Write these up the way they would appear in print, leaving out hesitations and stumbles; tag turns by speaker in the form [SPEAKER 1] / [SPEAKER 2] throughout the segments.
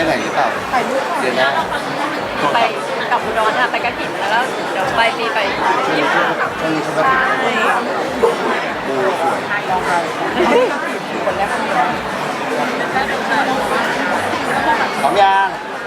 [SPEAKER 1] ไหนหรือเปล่าเดือนหน้า
[SPEAKER 2] ไปกับอุดรค่ะไปกระถิ่นแล้วเดี๋ยวไปปีไปญี่ปุ่น
[SPEAKER 1] ช่วงนี้เขาก็ถึงดูสวยพร้อมยัง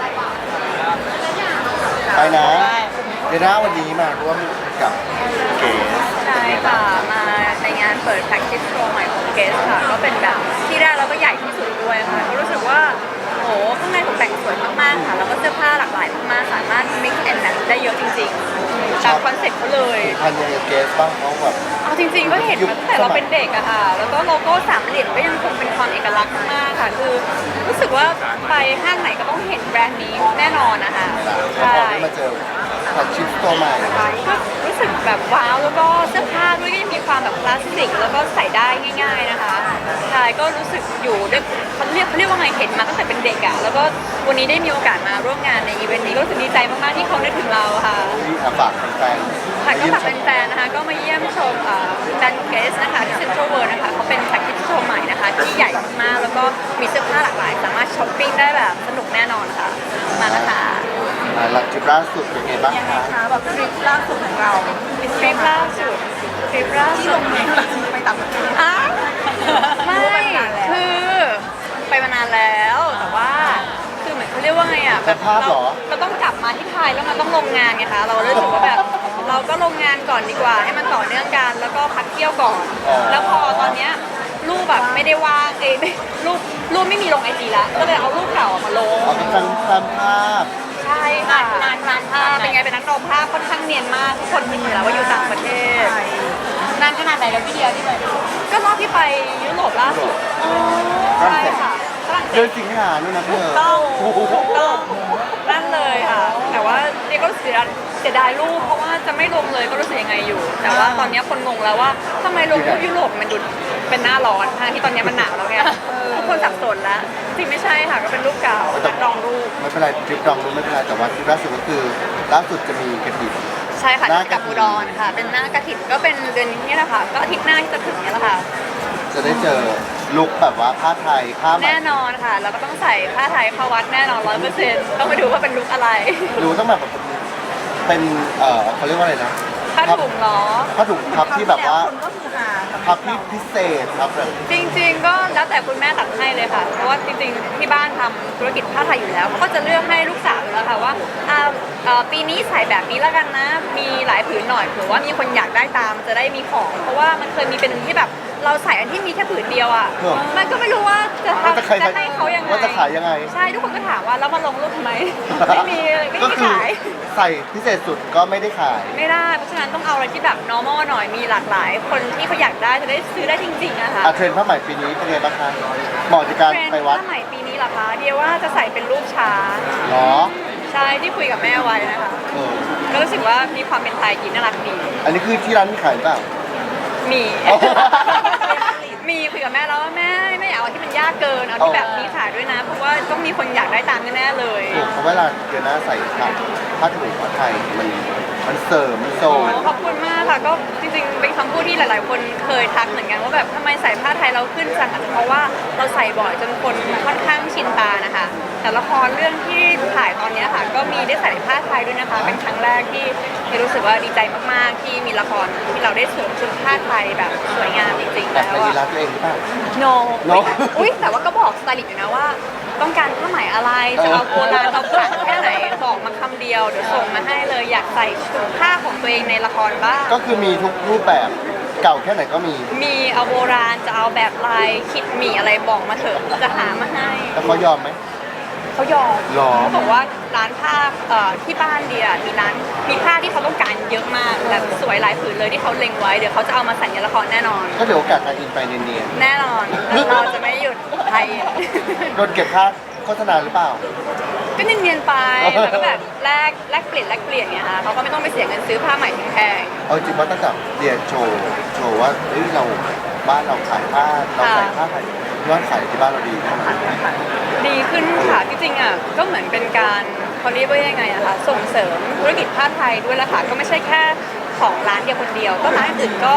[SPEAKER 1] ไปนะเดือนหน้าวันนี้มาร่วมกับเก๋
[SPEAKER 2] ใช่ค่ะมาในงานเปิด practice show ใหม่ของเกสค่ะก็เป็นแบบที่แรกแล้วก็ใหญ่ที่สุดด้วยค่ะก็รู้สึกว่าโอ้ข้างในตกแต่งสวยมากๆค่ะแล้วก็เสื้อผ้าหลากหลายมากๆสามารถ mix and match ได้เยอะจริงๆตามคอนเซ็ปต์เขาเลย
[SPEAKER 1] พันยังกับเกสบ้างเขาแบบ
[SPEAKER 2] เอาจริงๆก็เห็นมาตั้งแต่เราเป็นเด็กอะค่ะแล้วก็โลโก้สามเหลี่ยมก็ยังคงเป็นความเอกลักษณ์มากค่ะคือรู้สึกว่าไปห้างไหนก็ต้องเห็นแบรนด์นี้แน่นอนนะคะ
[SPEAKER 1] พอได้มาเจอผัดชิปตัวใหม่
[SPEAKER 2] ก็รู้สึกแบบว้าวแล้วก็เสื้อผ้าด้วยก็ยังมีความแบบคลาสสิกแล้วก็ใส่ได้ง่าย ๆนะคะใช่ก็รู้สึกอยู่ด้วยเขาเรียกว่าไงเห็นมาตั้งแต่เป็นเด็กอะแล้วก็วันนี้ได้มีโอกาสมาร่วมงานในอีเวนต์นี้ก็รู้สึกดีใจมากๆที่เขานึกถึงเราค่ะ
[SPEAKER 1] ที่ฝากแฟน
[SPEAKER 2] ค่ะก็ฝากแฟนๆนะคะก็มาเยี่ยมชมแบรนด์เกสนะคะที่เซ็นทรัลเวิลด์นะคะเขาเป็นแพ็กเกจโชว์ใหม่นะคะที่ใหญ่มากๆแล้วก็มีเสื้อผ้าหลากหลายสามารถช้อปปิ้งได้แบบสนุกแน่นอนค่ะมานะคะ
[SPEAKER 1] หลังทริปล่าสุดเป็นไงบ้าง
[SPEAKER 3] ยังไง
[SPEAKER 1] คะ
[SPEAKER 3] คะแบบทริปล่าสุดของเรา
[SPEAKER 2] ทริปล่าสุด
[SPEAKER 3] ที่ลงเงินไปต่างประเทศ
[SPEAKER 2] อ้าวไม่คือไปมานานแล้วแต่ว่าคือเหมือนเขาเรียกว่าไงอ่ะแบบเราต้องกลับมาที่ไทยแล้วมันต้องลงงานไงคะเราเลยรู้สึกว่าแบบเราก็ลงงานก่อนดีกว่าให้มันต่อเนื่องกันแล้วก็พักเที่ยวก่อน แล้วพอตอนเนี้ยรูปแบบไม่ได้ว่างรูปไม่มีลงไอจีแล้วก็เลยเอารูปเก่ามาลง
[SPEAKER 1] เอาเป็นตามภาพ
[SPEAKER 2] ใช่ค่ะนานภาพเป็นไงเป็นนักร้องภาพค่อนข้างเนียนมากทุกคนคิดอยู่แล้วว่าอยู่ต่างประเทศนานขนาดไหนแล้วพี่เดียที่ไปก็รอบที่ไปยุโรปล่าสุดใช่ค่ะฝรั่งเศ
[SPEAKER 1] เดือน
[SPEAKER 2] ส
[SPEAKER 1] สิงหานู่นนะเธอ
[SPEAKER 2] ต้องนั่นเลยค่ะแต่ว่าเดียก็เสียดายรูปเพราะว่าจะไม่ลงเลยก็รู้สึกยังไงอยู่ แต่ว่าตอนนี้คนงงแล้วว่าทำไมลงรูปยุโรปมันดูเป็นหน้าร้อนทั้งที่ตอนนี้มันหนาวแล้วไงทุกคนสับสนแล้วจริงไม่ใช่ค่ะก็เป็นรูปเก่านักร้องรูป
[SPEAKER 1] ไม่เป็นไรทริปดองรู้ไม่เป็นไรแต่ว่าทริปล่าสุดก็คือล่าสุดจะมีกระถิ่น
[SPEAKER 2] ใช่ค่ะ
[SPEAKER 1] หน้ากฐิน
[SPEAKER 2] กับอุดรค่ะ เป็นหน้ากระถิ่นก็เป็นเดือนนี้แหละค่ะ ก็อาทิตย์หน้าที่จะถึงนี้แหละค่ะ
[SPEAKER 1] จะได้เจอลุคแบบว่าผ้าไทยผ้าไหม
[SPEAKER 2] แน่นอนค่ะ แล้วก็ต้องใส่ผ้าไทยเข้าวัดแน่นอน100%ต้องไปดูว่าเป็นลุคอะไร
[SPEAKER 1] ดูต้องแบบเป็นเขาเรียกว่าอะไรนะ
[SPEAKER 2] ผ้าถุงเหรอ
[SPEAKER 1] ผ้าถุงพับที่แบบว่า
[SPEAKER 3] คนก็คือหา
[SPEAKER 1] พับที่พิเศษครับแบบ
[SPEAKER 2] จริงๆ ก็แล้วแต่คุณแม่ตัดให้เลยค่ะ เพราะว่าจริงๆ ที่บ้านทำธุรกิจผ้าไทยอยู่แล้วเขาก็จะเลือกให้ลูกสาวอยู่แล้วค่ะว่าปีนี้ใส่แบบนี้แล้วกันนะ มีหลายผืนหน่อยเผื่อว่ามีคนอยากได้ตามจะได้มีของ เพราะว่ามันเคยมีเป็นที่แบบเราใส่อันที่มีแค่ผืนเดียวอ่ะ มันก็ไม่รู้ว่าจะ
[SPEAKER 1] ว่าจะ
[SPEAKER 2] ให้เขายังไง
[SPEAKER 1] ว่าจะขายยังไง
[SPEAKER 2] ใช่ ทุกคนก็ถามว่าแล้วมาลงรูปทำไม ไม่มี
[SPEAKER 1] ก็คือ
[SPEAKER 2] ขาย
[SPEAKER 1] ใส่พิเศษสุดก็ไม่ได้ขาย
[SPEAKER 2] ไม่ได้ เพราะฉะนั้นต้องเอาอะไรที่แบบ normal หน่อย มีหลากหลาย คนที่เขาอยากได้จะได้ซื้อได้จริงๆนะคะ
[SPEAKER 1] เทรนด์ผ้าไหมปีนี้เป็นไงบ้างคะเหมาะในการ
[SPEAKER 2] เทรนด์
[SPEAKER 1] ไปวัด
[SPEAKER 2] ผ้าไหมปีนี้เหรอคะ เดียวว่าจะใส่เป็นรูปช้าง
[SPEAKER 1] เหรอ
[SPEAKER 2] ใช่ที่คุยกับแม่ไว้นะคะ
[SPEAKER 1] เออ
[SPEAKER 2] ก็รู้สึกว่ามีความเป็นไทยกินน่ารักดี
[SPEAKER 1] อันนี้คือที่ร้านมีขายหรือเปล่า
[SPEAKER 2] มี
[SPEAKER 1] อ๋อ
[SPEAKER 2] มีคุยกับแม่แล้วว่าแม่ไม่อยากเอาที่มันยากเกิน เอาที่แบบมีขายด้วยนะ เพราะว่าต้องมีคนอยากได้ตามแน่ๆเลย
[SPEAKER 1] ถูกเพราะเวลาเดือนหน้าใส่ผ้าถุงผ้าไทยมันเสริมมันโซ
[SPEAKER 2] โอ้
[SPEAKER 1] น
[SPEAKER 2] ขอบคุณมากค่ะก็จริงๆเป็นคำพูดที่หลาย ๆ คนเคยทักเหมือนกันว่าแบบทำไมใส่ผ้าไทยเราขึ้นจังอาจจะเพราะว่าเราใส่บ่อยจนคนค่อนข้างชินตานะคะแต่ละครเรื่องที่ถ่ายตอนเนี้ยค่ะก็มีได้ใส่ผ้าไทยด้วยนะคะเป็นครั้งแรกที่รู้สึกว่าดีใจมากๆที่มีละครที่เราได้สวมชุดผ้าไทยแบบสวยงามจริงๆ
[SPEAKER 1] แต่
[SPEAKER 2] แล้ว
[SPEAKER 1] ไปดี
[SPEAKER 2] อะ
[SPEAKER 1] ร้านตัวเองหรือเปล่า
[SPEAKER 2] no
[SPEAKER 1] No
[SPEAKER 2] อุ้ยแต่ว่าก็บอกสไตลิสต์อยู่นะว่า ต้องการผ้าไหมอะไรจะเอาโบราณเอาขลังแค่ไหนบอกมาคำเดียวเดี๋ยวส่งมาให้เลยอยากใส่ชุดผ้าของตัวเองในละครบ้าง
[SPEAKER 1] ก็คือมีทุกรูปแบบเก่าแค่ไหนก็มี
[SPEAKER 2] มีเอาโบราณจะเอาแบบลายคิดหมีอะไรบอกมาเถอะจะหามาให้
[SPEAKER 1] แล้วเขายอมไหม
[SPEAKER 2] เขายอม
[SPEAKER 1] หรอ
[SPEAKER 2] เขาบอกว่าร้านผ้าที่บ้านเดียมีผ้าที่เขาต้องการเยอะมากแบบสวยหลายผืนเลยที่เขาเล็งไว้เดี๋ยวเขาจะเอามาใส่ในละครแน่นอน
[SPEAKER 1] ก็เดี๋ยวโอกาสการอินไปเนียน
[SPEAKER 2] แน่นอนเราจะไม่หยุดไทย
[SPEAKER 1] ๆโดนเก็บค่าโฆษณาหรือเปล่า
[SPEAKER 2] ก็เนียนๆไปแล้วก็แบบแลกเปลี่ยนไงคะเขาก็ไม่ต้องไปเสียเงินซื้อผ้าใหม่แพง
[SPEAKER 1] เอาจริงว่าตั้งแต่เรียนโชว์ว่าเฮ้ยเราบ้านเราขายผ้าเราใส่ผ้าไทยยอดขายที่บ้านเราดีแน่นอน
[SPEAKER 2] ๆดีขึ้นค่ะที่จริงอ่ะก็เหมือนเป็นการเขาเรียกว่ายังไงอะคะส่งเสริมธุรกิจผ้าไทยด้วยละค่ะก็ไม่ใช่แค่ของร้านเดียวคนเดียวก็ร้านอื่นก็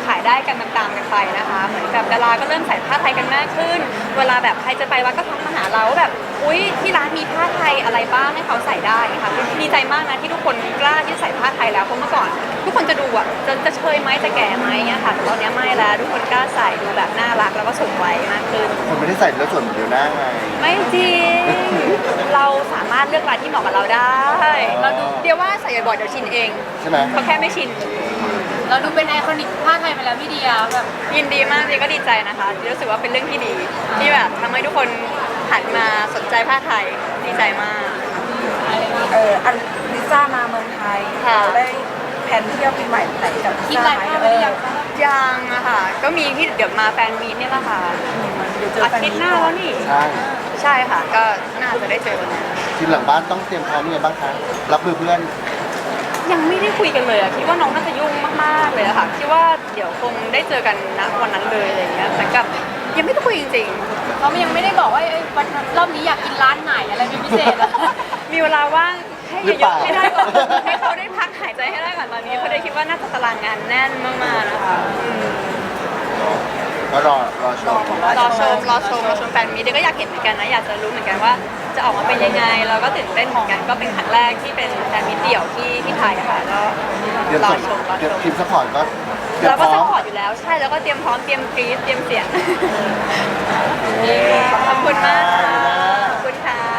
[SPEAKER 2] ขายได้กันตามๆกันไปนะคะเหมือนกับดาราก็เริ่มใส่ผ้าไทยกันมากขึ้น เวลาแบบใครจะไปวัดก็ทักมาหาเราว่าแบบอุ๊ยที่ร้านมีผ้าไทยอะไรบ้างให้เขาใส่ได้ค่ะดีใจมากนะที่ทุกคนกล้าที่จะใส่ผ้าไทยแล้วเพราะเมื่อก่อน ทุกคนจะดูอ่ะจะเชยไหมจะแก่ไหมเงี้ยค่ะแต่ตอนนี้ไม่แล้วทุกคนกล้าใส่ดูแบบน่ารักแล้วก็สมวัยมากขึ้น
[SPEAKER 1] คนไม่ได้ใส่แล้วส่วนเดียวหน้าไง
[SPEAKER 2] ไม่จริง เราสามารถเลือกลายที่เหมาะกับเราได้ เราดูเดี๋ยวว่าใส่บ่อยๆเดี๋ยวชินเอง
[SPEAKER 1] ใช่ไหม
[SPEAKER 2] เขาแค่ไม่ชิน
[SPEAKER 4] เราดูเป็นไอคอนิกผ้าไทยไปแล้วพี่เดียแบบ
[SPEAKER 2] ยินดีมากเดียก็ดีใจนะคะเดียรู้สึกว่าเป็นเรื่องที่ดี ที่แบบทำให้ทุกคนหันมาสนใจผ้าไทยดีใจมาก
[SPEAKER 3] อันลิซ่ามาเมืองไทย
[SPEAKER 2] ค่ะ
[SPEAKER 3] เราได้แผนเที่ยวปีใหม่ไหนกับลิ
[SPEAKER 4] คิด
[SPEAKER 3] ซ่า
[SPEAKER 4] อะไร
[SPEAKER 3] ไหม
[SPEAKER 4] ภาพไปหรือยังคะ
[SPEAKER 2] ยังอะค่ะ ก็มีที่เดี๋ยวมาแฟนมีตเนี่ยแหละค่ะ
[SPEAKER 3] เดี๋ยวเจอ
[SPEAKER 2] อา
[SPEAKER 3] แฟน
[SPEAKER 2] ทิ
[SPEAKER 3] มี
[SPEAKER 2] ตย์
[SPEAKER 3] ต
[SPEAKER 2] หน้า
[SPEAKER 3] ก่อ
[SPEAKER 2] แล้
[SPEAKER 3] น
[SPEAKER 2] วนี่
[SPEAKER 1] ใช่
[SPEAKER 2] ใช่ค่ะ ก็น่าจะได้เจอกันแล้ว
[SPEAKER 1] ทีมหลังบ้านต้องเตรียมพร้อมยังไงบ้างคะรับมือเพื่อน
[SPEAKER 2] ยังไม่ได้คุยกันเลยอะคิดว่าน้องน่าจะยุ่งมากๆเลยอะค่ะคิดว่าเดี๋ยวคงได้เจอกันณวันนั้นเลยอะไรอย่างเงี้ยแต่กับยังไม่ได้คุยจริง
[SPEAKER 4] เขายังไม่ได้บอกว่าวันรอบนี้อยากกินร้านไหนอะไรเป็นพิเศษอะ
[SPEAKER 2] ๆ มีเวลาว่างให้
[SPEAKER 1] หรือ
[SPEAKER 2] เย
[SPEAKER 1] เป
[SPEAKER 2] อะ
[SPEAKER 1] ล่า
[SPEAKER 2] ๆให้ได้ก่อนให้เขาได้พักหายใจให้ได้ก่อนตอนนี้เพราะได้คิดว่าน่าจะตารางงานแน่นมากๆนะคะอืม
[SPEAKER 1] ก็รอชม
[SPEAKER 2] รอชมแฟนมีเดี๋ยวก็อยากเห็นเหมือนกันนะอยากจะรู้เหมือนกันว่าจะออกมาเป็นยังไงเราก็ตื่นเต้นเหมือนกันก็เป็นครั้งแรกที่เป็นแฟนมีเดี่ยวที่ไทยอะค่ะก็
[SPEAKER 1] เดี๋ยว
[SPEAKER 2] รอ
[SPEAKER 1] ส่ง
[SPEAKER 2] ชม
[SPEAKER 1] เดี๋ยวทีมซัพพอร์ตก็เตรียม
[SPEAKER 2] เรา
[SPEAKER 1] พ
[SPEAKER 2] ก็
[SPEAKER 1] ร้อ
[SPEAKER 2] ซัพ
[SPEAKER 1] ม
[SPEAKER 2] พอร์ตอยู่แล้วใช่แล้วก็เตรียมพร้อมเตรียมกรี๊ดเตรียมเสียงขอบคุณมากค่ะขอบคุณค่ะ